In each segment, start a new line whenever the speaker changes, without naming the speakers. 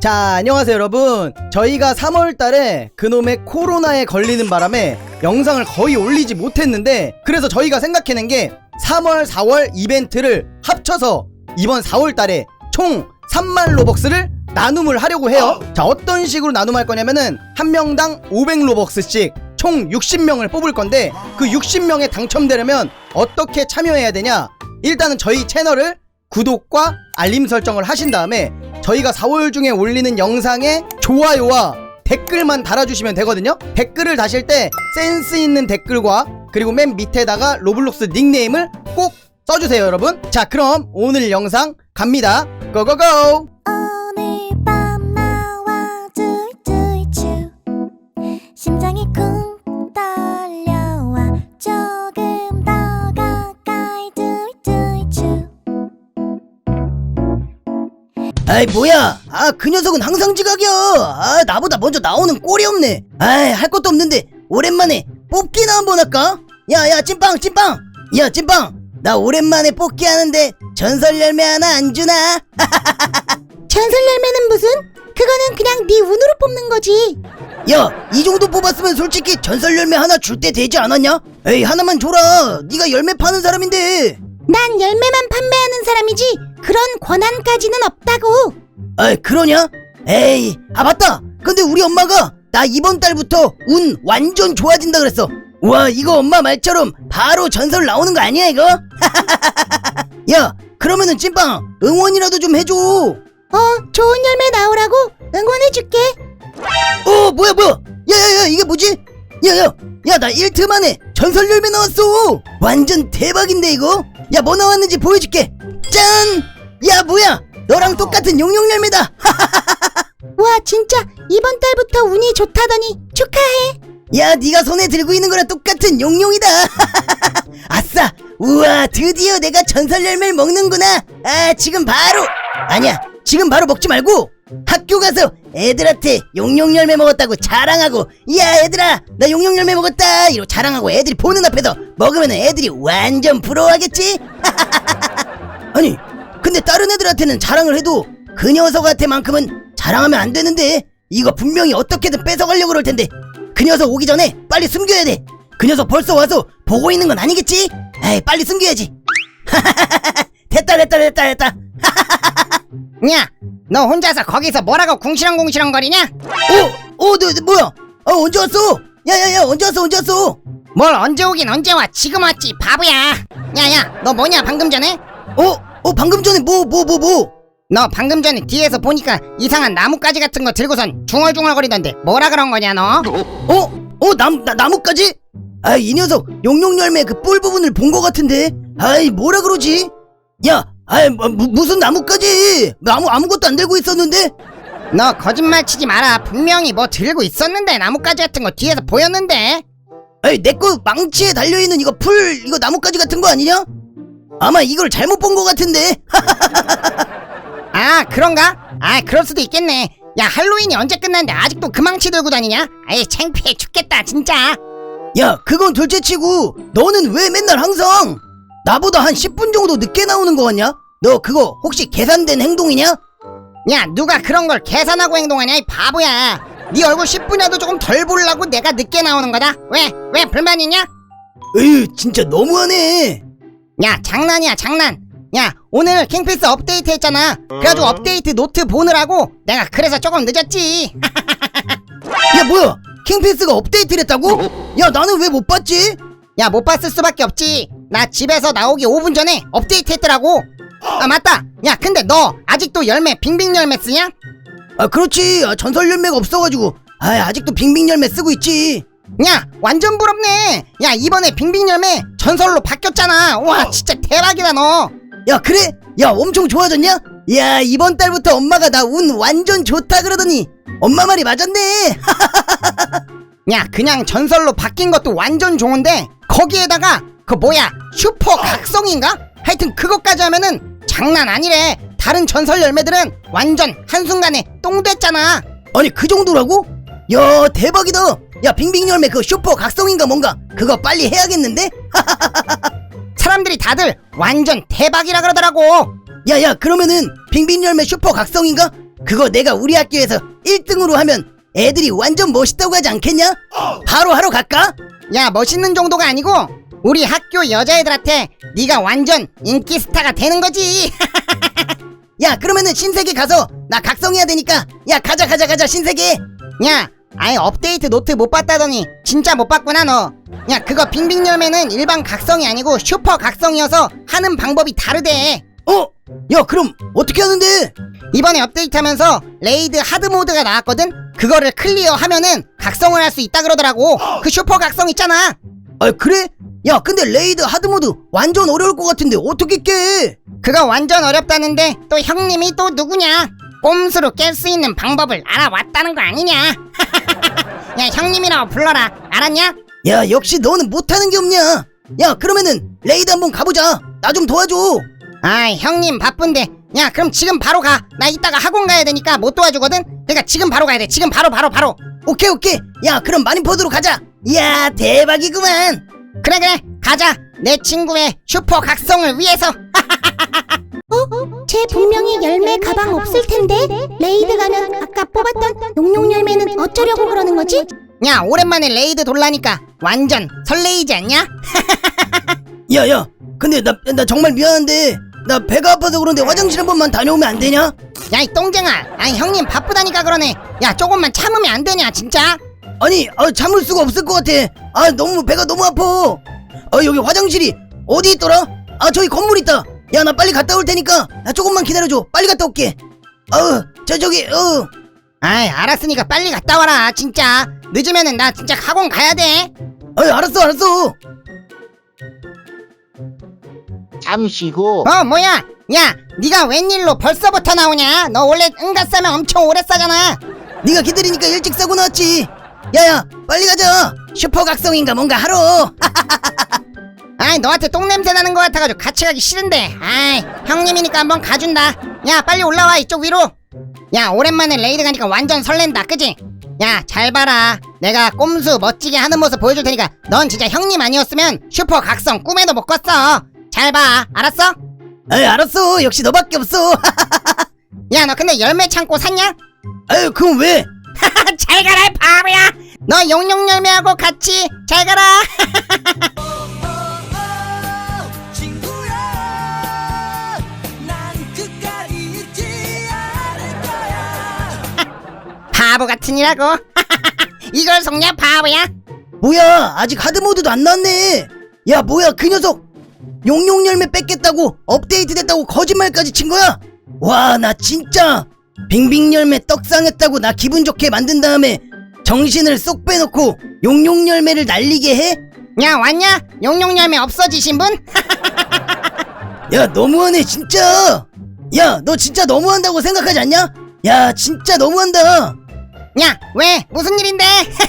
자, 안녕하세요 여러분. 저희가 3월달에 그놈의 코로나에 걸리는 바람에 영상을 거의 올리지 못했는데, 그래서 저희가 생각해낸 게 3월 4월 이벤트를 합쳐서 이번 4월달에 총 3만 로벅스를 나눔을 하려고 해요. 자, 어떤 식으로 나눔할 거냐면은 한 명당 500 로벅스씩 총 60명을 뽑을 건데, 그 60명에 당첨되려면 어떻게 참여해야 되냐? 일단은 저희 채널을 구독과 알림 설정을 하신 다음에 저희가 4월 중에 올리는 영상에 좋아요와 댓글만 달아주시면 되거든요. 댓글을 다실 때 센스 있는 댓글과 그리고 맨 밑에다가 로블록스 닉네임을 꼭 써주세요 여러분. 자, 그럼 오늘 영상 갑니다. 고고고!
오늘 밤 나와 툴툴툴 심장이 쿵 떨려와 조금 더 가까이 툴툴툴.
아이 뭐야, 그 녀석은 항상 지각이야. 나보다 먼저 나오는 꼴이 없네. 할 것도 없는데 오랜만에 뽑기나 한번 할까? 야 찐빵, 야 찐빵, 나 오랜만에 뽑기 하는데 전설 열매 하나 안 주나?
전설 열매는 무슨? 그거는 그냥 네 운으로 뽑는 거지.
야, 이 정도 뽑았으면 솔직히 전설 열매 하나 줄 때 되지 않았냐? 에이, 하나만 줘라. 네가 열매 파는 사람인데.
난 열매만 판매하는 사람이지 그런 권한까지는 없다고.
그러냐? 에이, 맞다. 근데 우리 엄마가 나 이번 달부터 운 완전 좋아진다 그랬어. 와, 이거 엄마 말처럼 바로 전설 나오는 거 아니야 이거? 야, 그러면은 찐빵 응원이라도 좀 해줘.
좋은 열매 나오라고 응원해줄게.
뭐야 야야야, 이게 뭐지? 야 나 1트 만에 전설 열매 나왔어. 완전 대박인데 이거? 야, 뭐 나왔는지 보여줄게. 짠! 야, 뭐야, 너랑 똑같은 용용 열매다.
와, 진짜 이번 달부터 운이 좋다더니 축하해.
야, 네가 손에 들고 있는 거랑 똑같은 용용이다. 아싸! 우와, 드디어 내가 전설 열매를 먹는구나. 지금 바로, 아니야, 지금 바로 먹지 말고 학교 가서 애들한테 용용 열매 먹었다고 자랑하고, 야 얘들아 나 용용 열매 먹었다 이러고 자랑하고 애들이 보는 앞에서 먹으면 애들이 완전 부러워하겠지? 아니, 근데 다른 애들한테는 자랑을 해도 그 녀석한테만큼은 자랑하면 안 되는데, 이거 분명히 어떻게든 뺏어가려고 그럴 텐데 그 녀석 오기 전에 빨리 숨겨야 돼. 그 녀석 벌써 와서 보고 있는 건 아니겠지? 에이, 빨리 숨겨야지. 됐다.
야, 너 혼자서 거기서 뭐라고 궁시렁궁시렁 거리냐?
너 뭐야? 언제 왔어? 야야야, 언제 왔어?
뭘 언제 오긴 언제 와? 지금 왔지 바보야. 야야, 너 뭐냐 방금 전에?
방금 전에 뭐?
너 방금 전에 뒤에서 보니까 이상한 나뭇가지 같은 거 들고선 중얼중얼거리던데 뭐라 그런 거냐 너?
나뭇가지? 이 녀석 용용 열매 그 뿔 부분을 본 거 같은데. 뭐라 그러지? 야, 무슨 나뭇가지? 아무것도 안 들고 있었는데?
너 거짓말 치지 마라. 분명히 뭐 들고 있었는데 나뭇가지 같은 거 뒤에서 보였는데.
내 거 망치에 달려있는 이거 이거 나뭇가지 같은 거 아니냐? 아마 이걸 잘못 본 거 같은데.
그런가? 그럴 수도 있겠네. 야, 할로윈이 언제 끝났는데 아직도 그 망치 들고 다니냐? 창피해 죽겠다 진짜.
야, 그건 둘째치고 너는 왜 맨날 항상 나보다 한 10분 정도 늦게 나오는 거 같냐? 너 그거 혹시 계산된 행동이냐?
야, 누가 그런 걸 계산하고 행동하냐 이 바보야. 네 얼굴 10분이라도 조금 덜 보려고 내가 늦게 나오는 거다. 왜 불만 있냐?
에휴, 진짜 너무하네.
야, 장난이야 장난. 야, 오늘 킹피스 업데이트 했잖아. 그래가지고 업데이트 노트 보느라고 내가 그래서 조금 늦었지.
야, 뭐야, 킹피스가 업데이트를 했다고? 야, 나는 왜 못 봤지?
야, 못 봤을 수밖에 없지. 나 집에서 나오기 5분 전에 업데이트 했더라고. 맞다. 야, 근데 너 아직도 열매 빙빙 열매 쓰냐?
그렇지. 전설 열매가 없어가지고 아직도 빙빙 열매 쓰고 있지.
야, 완전 부럽네. 야, 이번에 빙빙 열매 전설로 바뀌었잖아. 와, 진짜 대박이다 너.
야, 그래? 야, 엄청 좋아졌냐? 야, 이번 달부터 엄마가 나 운 완전 좋다 그러더니 엄마 말이 맞았네.
야, 그냥 전설로 바뀐 것도 완전 좋은데 거기에다가 그 뭐야 슈퍼 각성인가? 하여튼 그것까지 하면은 장난 아니래. 다른 전설 열매들은 완전 한순간에 똥 됐잖아.
아니, 그 정도라고? 야, 대박이다. 야, 빙빙 열매 그 슈퍼 각성인가 뭔가 그거 빨리 해야겠는데?
사람들이 다들 완전 대박이라 그러더라고.
야야, 그러면은 빙빙 열매 슈퍼 각성인가? 그거 내가 우리 학교에서 1등으로 하면 애들이 완전 멋있다고 하지 않겠냐? 바로 하러 갈까?
야, 멋있는 정도가 아니고 우리 학교 여자애들한테 네가 완전 인기 스타가 되는 거지.
야, 그러면은 신세계 가서 나 각성해야 되니까 야, 가자 신세계.
야, 아예 업데이트 노트 못 봤다더니 진짜 못 봤구나 너. 야, 그거 빙빙 열매는 일반 각성이 아니고 슈퍼 각성이어서 하는 방법이 다르대.
야, 그럼 어떻게 하는데?
이번에 업데이트하면서 레이드 하드 모드가 나왔거든. 그거를 클리어하면은 각성을 할 수 있다 그러더라고. 그 슈퍼 각성 있잖아.
아, 그래? 야, 근데 레이드 하드 모드 완전 어려울 것 같은데 어떻게 깨?
그거 완전 어렵다는데 또 형님이 또 누구냐? 꼼수로 깰 수 있는 방법을 알아왔다는 거 아니냐? 야, 형님이라고 불러라. 알았냐?
야, 역시 너는 못하는 게 없냐? 야, 그러면은 레이드 한번 가보자. 나 좀 도와줘.
아이, 형님 바쁜데. 야, 그럼 지금 바로 가. 나 이따가 학원 가야 되니까 못 도와주거든. 그러니까 지금 바로 가야 돼. 지금 바로.
오케이. 야, 그럼 마린포드로 가자. 이야, 대박이구만.
그래, 가자. 내 친구의 슈퍼 각성을 위해서.
쟤 분명히 열매 가방 없을 텐데 레이드 가면 아까 뽑았던 용용 열매는 어쩌려고 그러는 거지?
야, 오랜만에 레이드 돌라니까 완전 설레이지 않냐?
야, 근데 나 정말 미안한데 나 배가 아파서 그런데 화장실 한 번만 다녀오면 안 되냐?
야, 이 똥쟁아. 아니, 형님 바쁘다니까 그러네. 야, 조금만 참으면 안 되냐 진짜?
아니, 참을 수가 없을 것 같아. 너무 배가 너무 아파. 여기 화장실이 어디 있더라? 저기 건물 있다. 야, 나 빨리 갔다 올 테니까 나 조금만 기다려줘. 빨리 갔다 올게. 저기.
아이, 알았으니까 빨리 갔다 와라 진짜. 늦으면은 나 진짜 학원 가야 돼.
알았어.
잠시 후
뭐야? 야, 네가 웬일로 벌써부터 나오냐? 너 원래 응가 싸면 엄청 오래 싸잖아.
네가 기다리니까 일찍 싸고 나왔지. 야야, 빨리 가자. 슈퍼 각성인가 뭔가 하러.
아이, 너한테 똥냄새 나는 거 같아가지고 같이 가기 싫은데. 아이, 형님이니까 한번 가준다. 야, 빨리 올라와 이쪽 위로. 야, 오랜만에 레이드 가니까 완전 설렌다, 그지? 야, 잘 봐라. 내가 꼼수 멋지게 하는 모습 보여줄 테니까 넌 진짜 형님 아니었으면 슈퍼 각성 꿈에도 못 꿨어. 잘 봐, 알았어?
알았어. 역시 너밖에 없어.
야, 너 근데 열매 창고 샀냐?
그럼 왜?
잘 가라, 바보야. 너 용용 열매하고 같이 잘 가라. 바보 같으니라고. 이걸 속냐, 바보야?
뭐야, 아직 하드모드도 안 나왔네. 야, 뭐야, 그 녀석 용용 열매 뺏겠다고 업데이트 됐다고 거짓말까지 친 거야? 와, 나 진짜 빙빙 열매 떡상했다고 나 기분 좋게 만든 다음에 정신을 쏙 빼놓고 용용 열매를 날리게 해?
야, 왔냐? 용용 열매 없어지신 분?
야, 너무하네 진짜. 야, 너 진짜 너무한다고 생각하지 않냐? 야, 진짜 너무한다.
야, 왜? 무슨 일인데?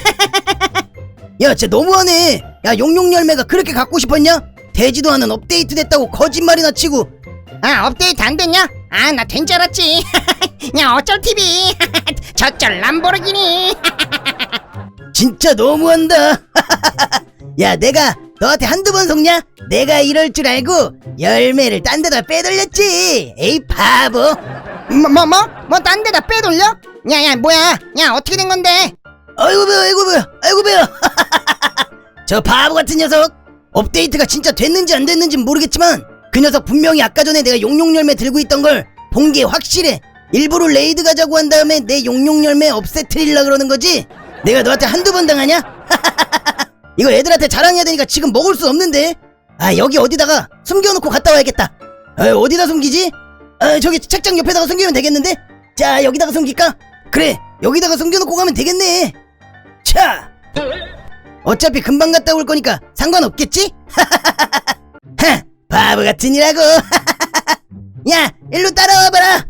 야, 진짜 너무하네. 야, 용용 열매가 그렇게 갖고 싶었냐? 되지도 않은 업데이트 됐다고 거짓말이나 치고.
업데이트 안 됐냐? 나 된 줄 알았지. 야, 어쩔 TV. 저쩔 람보르기니.
진짜 너무한다. 야, 내가 너한테 한두 번 속냐? 내가 이럴 줄 알고 열매를 딴 데다 빼돌렸지. 에이, 바보.
뭐 딴 데다 빼돌려? 야, 뭐야? 야, 어떻게 된 건데?
아이고 배야. 저 바보 같은 녀석. 업데이트가 진짜 됐는지 안 됐는지 모르겠지만 그 녀석 분명히 아까 전에 내가 용용 열매 들고 있던 걸 본 게 확실해. 일부러 레이드 가자고 한 다음에 내 용용 열매 없애트리려 그러는 거지. 내가 너한테 한두 번 당하냐? 이거 애들한테 자랑해야 되니까 지금 먹을 수 없는데. 여기 어디다가 숨겨놓고 갔다 와야겠다. 어디다 숨기지? 저기 책장 옆에다가 숨기면 되겠는데? 자, 여기다가 숨길까? 그래, 여기다가 숨겨놓고 가면 되겠네. 자, 어차피 금방 갔다 올 거니까 상관없겠지? 하, 바보 같으니라고. 야, 일로 따라와봐라.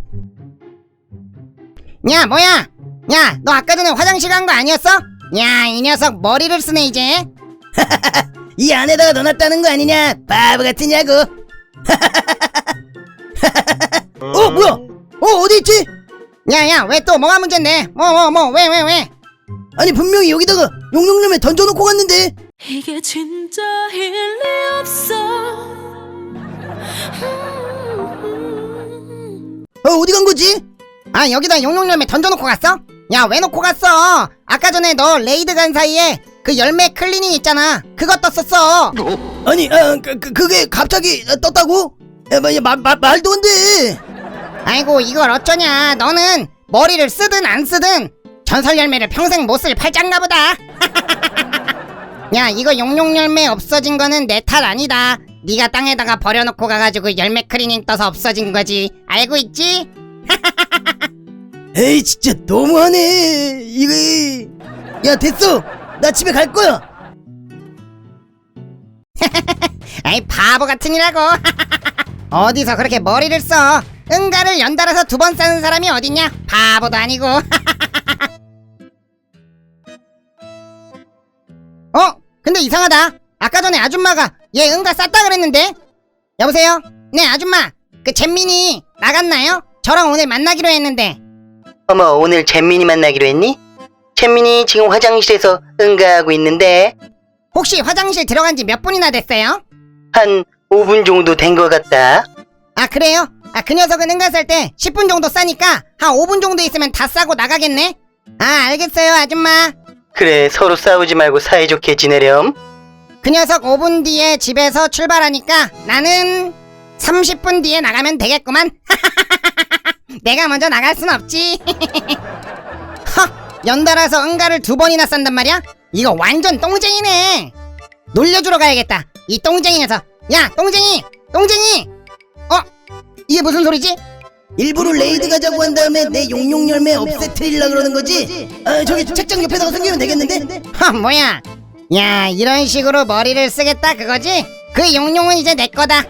야, 뭐야? 야, 너 아까 전에 화장실 간 거 아니었어? 야, 이 녀석 머리를 쓰네 이제.
이 안에다가 넣어놨다는 거 아니냐? 바보 같으냐고. 뭐야? 어디 있지?
야, 왜 또 뭐가 문제인데? 왜?
아니, 분명히 여기다가 용용열매 던져놓고 갔는데.
이게 진짜 일리 없어.
어디 간 거지?
아, 여기다 용용열매 던져놓고 갔어? 야, 왜 놓고 갔어? 아까 전에 너 레이드 간 사이에 그 열매 클리닝 있잖아, 그거 떴었어.
아니 그게 갑자기 떴다고? 말도 안 돼.
아이고, 이걸 어쩌냐. 너는 머리를 쓰든 안 쓰든 전설 열매를 평생 못 쓸 팔짱가 보다. 야, 이거 용용열매 없어진 거는 내 탓 아니다. 네가 땅에다가 버려놓고 가가지고 열매 클리닝 떠서 없어진 거지. 알고 있지?
에이 진짜 너무하네 이거. 야 됐어, 나 집에 갈 거야.
아이, 바보 같으니라고. 어디서 그렇게 머리를 써? 응가를 연달아서 2번 싸는 사람이 어딨냐? 바보도 아니고. 근데 이상하다. 아까 전에 아줌마가 얘 응가 쌌다 그랬는데. 여보세요? 네, 아줌마, 그 잼민이 나갔나요? 저랑 오늘 만나기로 했는데.
어머, 오늘 잼민이 만나기로 했니? 잼민이 지금 화장실에서 응가하고 있는데
혹시 화장실 들어간 지 몇 분이나 됐어요?
한 5분 정도 된 것 같다.
아, 그래요? 아, 그 녀석은 응가 쌀 때 10분 정도 싸니까 한 5분 정도 있으면 다 싸고 나가겠네? 아, 알겠어요, 아줌마.
그래, 서로 싸우지 말고 사이좋게 지내렴.
그 녀석 5분 뒤에 집에서 출발하니까 나는 30분 뒤에 나가면 되겠구만. 내가 먼저 나갈 순 없지. 허, 연달아서 응가를 2번이나 싼단 말이야? 이거 완전 똥쟁이네. 놀려주러 가야겠다, 이 똥쟁이 녀석. 야, 똥쟁이! 똥쟁이! 이게 무슨 소리지?
일부러 레이드 가자고 한 다음에 내 용용열매 없애트리려 그러는 거지? 아 저기 책장 옆에다가 숨기면 되겠는데?
허, 뭐야? 야, 이런 식으로 머리를 쓰겠다 그거지? 그 용용은 이제 내 거다.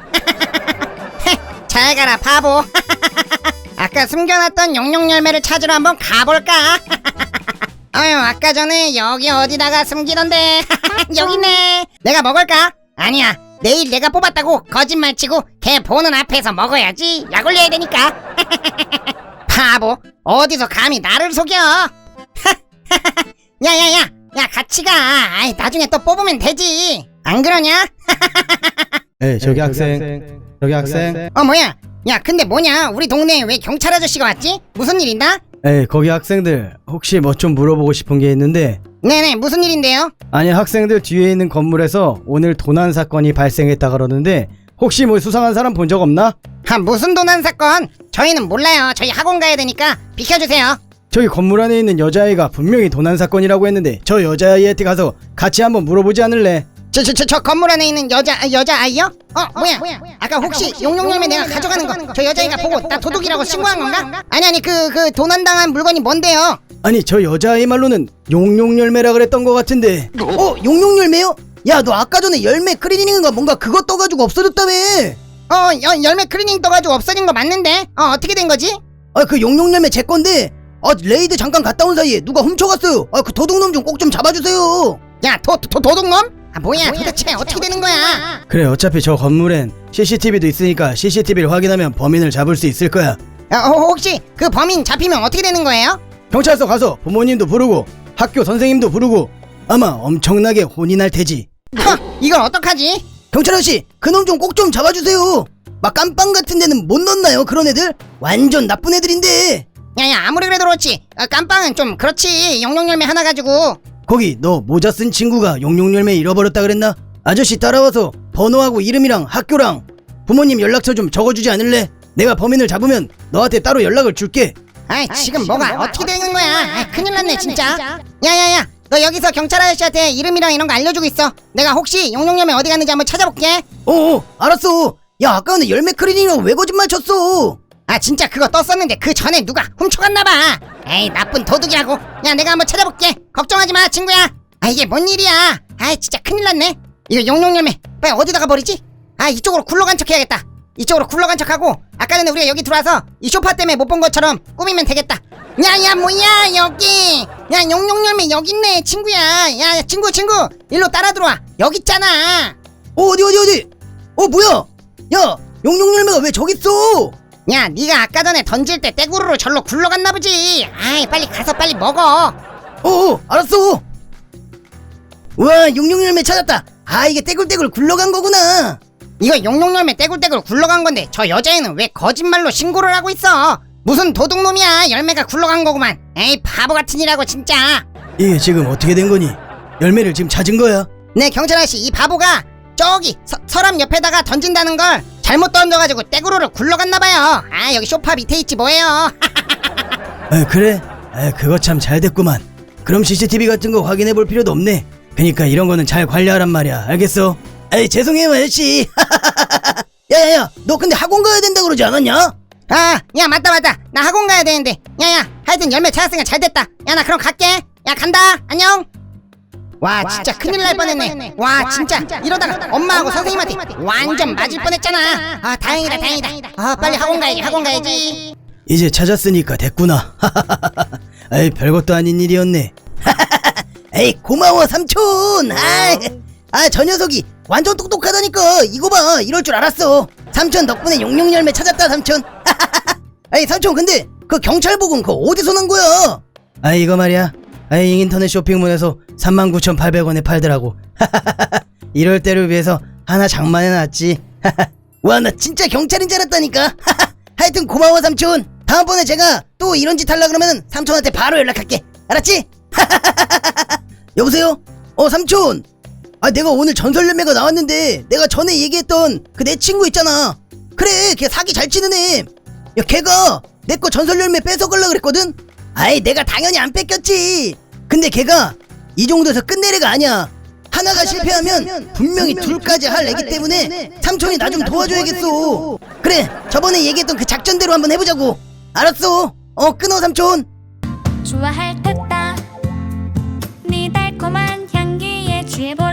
잘 가라, 바보. 아까 숨겨놨던 용용 열매를 찾으러 한번 가볼까? 아유, 아까 전에 여기 어디다가 숨기던데. 여기네. 내가 먹을까? 아니야, 내일 내가 뽑았다고 거짓말치고 걔 보는 앞에서 먹어야지. 약 올려야 되니까. 바보, 어디서 감히 나를 속여. 야야야, 야, 같이 가. 아이, 나중에 또 뽑으면 되지. 안 그러냐?
에이 저기 학생, 저기 학생.
뭐야? 야, 근데 뭐냐? 우리 동네에 왜 경찰 아저씨가 왔지? 무슨 일 있나?
에이 거기 학생들, 혹시 뭐 좀 물어보고 싶은 게 있는데.
네네, 무슨 일인데요?
아니 학생들 뒤에 있는 건물에서 오늘 도난 사건이 발생했다 그러는데 혹시 뭐 수상한 사람 본 적 없나?
무슨 도난 사건? 저희는 몰라요. 저희 학원 가야 되니까 비켜주세요.
저기 건물 안에 있는 여자아이가 분명히 도난 사건이라고 했는데 저 여자아이한테 가서 같이 한번 물어보지 않을래?
저 건물 안에 있는 여자아이요? 뭐야? 아까 혹시 용용열매 내가 가져가는 거 저 여자아이가 보고 나 도둑이라고 신고한 건가? 아니, 그 도난당한 물건이 뭔데요?
아니 저 여자아이 말로는 용용열매라 그랬던 것 같은데. 용용열매요? 야 너 아까 전에 열매 클리닝인가 뭔가 그거 떠가지고 없어졌다며.
열매 클리닝 떠가지고 없어진 거 맞는데? 어떻게 된 거지?
그 용용열매 제 건데 레이드 잠깐 갔다 온 사이에 누가 훔쳐갔어요. 그 도둑놈 좀 꼭 좀 잡아주세요.
야, 도둑놈? 뭐야, 도대체 어떻게 되는 거야?
그래, 어차피 저 건물엔 CCTV도 있으니까 CCTV를 확인하면 범인을 잡을 수 있을 거야.
혹시 그 범인 잡히면 어떻게 되는 거예요?
경찰서 가서 부모님도 부르고 학교 선생님도 부르고 아마 엄청나게 혼이 날 테지.
이걸 어떡하지?
경찰 아저씨, 그놈 좀 꼭 좀 잡아주세요. 막 깜빵 같은 데는 못 넣나요? 그런 애들? 완전 나쁜 애들인데.
야야, 아무리 그래도 그렇지. 깜빵은 좀 그렇지. 용용열매 하나 가지고.
거기 너 모자 쓴 친구가 용용열매 잃어버렸다 그랬나? 아저씨 따라와서 번호하고 이름이랑 학교랑 부모님 연락처 좀 적어주지 않을래? 내가 범인을 잡으면 너한테 따로 연락을 줄게.
지금 뭐가 어떻게 되는 거야? 큰일 났네 진짜. 야야야, 너 여기서 경찰 아저씨한테 이름이랑 이런 거 알려주고 있어. 내가 혹시 용용열매 어디 갔는지 한번 찾아볼게.
알았어. 야 아까는 열매 클리닝이라고 왜 거짓말 쳤어?
진짜 그거 떴었는데 그 전에 누가 훔쳐갔나봐. 에이, 나쁜 도둑이라고. 야, 내가 한번 찾아볼게. 걱정하지마 친구야. 이게 뭔 일이야. 진짜 큰일 났네. 이거 용용열매 빨리 어디다가 버리지? 이쪽으로 굴러간 척 해야겠다. 이쪽으로 굴러간 척하고 아까 전에 우리가 여기 들어와서 이 소파 때문에 못 본 것처럼 꾸미면 되겠다. 야야, 뭐야 여기. 야, 용용열매 여기 있네 친구야. 야, 친구 일로 따라 들어와. 여기 있잖아.
어디 뭐야? 야 용용열매가 왜 저기 있어?
야, 네가 아까 전에 던질 때 떼구르로 절로 굴러갔나 보지. 빨리 가서 빨리 먹어.
알았어. 우와, 용용열매 찾았다. 이게 떼굴떼굴 굴러간 거구나.
이거 용용열매 떼굴떼굴 굴러간 건데 저 여자애는 왜 거짓말로 신고를 하고 있어? 무슨 도둑놈이야. 열매가 굴러간 거구만. 에이 바보 같은 이라고 진짜.
이게 지금 어떻게 된 거니? 열매를 지금 찾은 거야?
네 경찰 아저씨, 이 바보가 저기 서랍 옆에다가 던진다는 걸 잘못 던져가지고 떼구르르 굴러갔나봐요. 아 여기 소파 밑에 있지 뭐예요.
그래? 그거 참 잘 됐구만. 그럼 CCTV 같은 거 확인해 볼 필요도 없네. 그니까 이런 거는 잘 관리하란 말이야. 알겠어? 죄송해요 아저씨. 야야야, 너 근데 학원 가야 된다 그러지 않았냐?
아 야 맞다 나 학원 가야 되는데. 야야 하여튼 열매 찾았으니까 잘 됐다. 야 나 그럼 갈게. 야 간다. 안녕. 와 진짜 큰일 날 뻔했네. 와 진짜 이러다가 엄마하고 선생님한테 완전 맞을 뻔했잖아. 아 다행이다. 아 빨리 학원 가야지.
이제 찾았으니까 됐구나. 별것도 아닌 일이었네. 에이 고마워 삼촌. 저 녀석이 완전 똑똑하다니까. 이거 봐, 이럴 줄 알았어. 삼촌 덕분에 용용 열매 찾았다 삼촌. 에이 삼촌, 근데 그 경찰복은 그거 어디서 난 거야? 이거 말이야, 인터넷 쇼핑몰에서 39,800원에 팔더라고. 이럴 때를 위해서 하나 장만해놨지. 와, 나 진짜 경찰인 줄 알았다니까. 하여튼 고마워 삼촌. 다음번에 제가 또 이런 짓 하려 그러면 삼촌한테 바로 연락할게. 알았지? 여보세요? 삼촌. 내가 오늘 전설 열매가 나왔는데, 내가 전에 얘기했던 그 내 친구 있잖아. 그래, 걔 사기 잘 치는 애. 야, 걔가 내 거 전설 열매 뺏어가려고 그랬거든? 내가 당연히 안 뺏겼지. 근데 걔가 이 정도에서 끝낼 애가 아니야. 하나가 실패하면 분명히 둘까지 할 애기 때문에 삼촌이 나 좀 도와줘야겠어. 그래, 저번에 얘기했던 그 작전대로 한번 해보자고. 알았어. 끊어 삼촌.
좋아할 듯다 네 달콤한 향기에 취해보